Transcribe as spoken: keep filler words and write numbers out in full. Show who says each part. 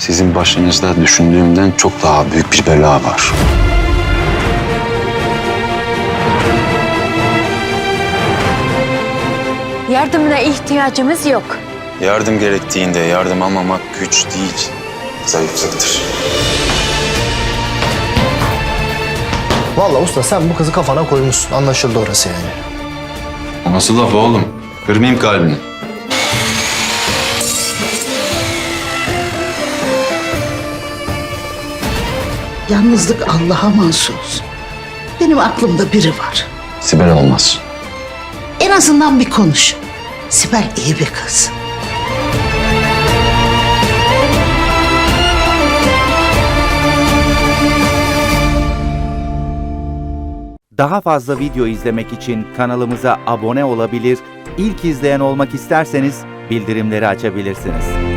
Speaker 1: Sizin başınızda düşündüğümden çok daha büyük bir bela var.
Speaker 2: Yardımına ihtiyacımız yok.
Speaker 1: Yardım gerektiğinde yardım almamak güç değil, zayıflıktır.
Speaker 3: Vallahi usta sen bu kızı kafana koymuşsun. Anlaşıldı orası yani.
Speaker 1: O nasıl laf oğlum? Kırmayayım kalbini.
Speaker 4: Yalnızlık Allah'a mahsus. Benim aklımda biri var.
Speaker 1: Sibel olmaz.
Speaker 4: En azından bir konuş. Sibel iyi bir kız.
Speaker 5: Daha fazla video izlemek için kanalımıza abone olabilir, ilk izleyen olmak isterseniz bildirimleri açabilirsiniz.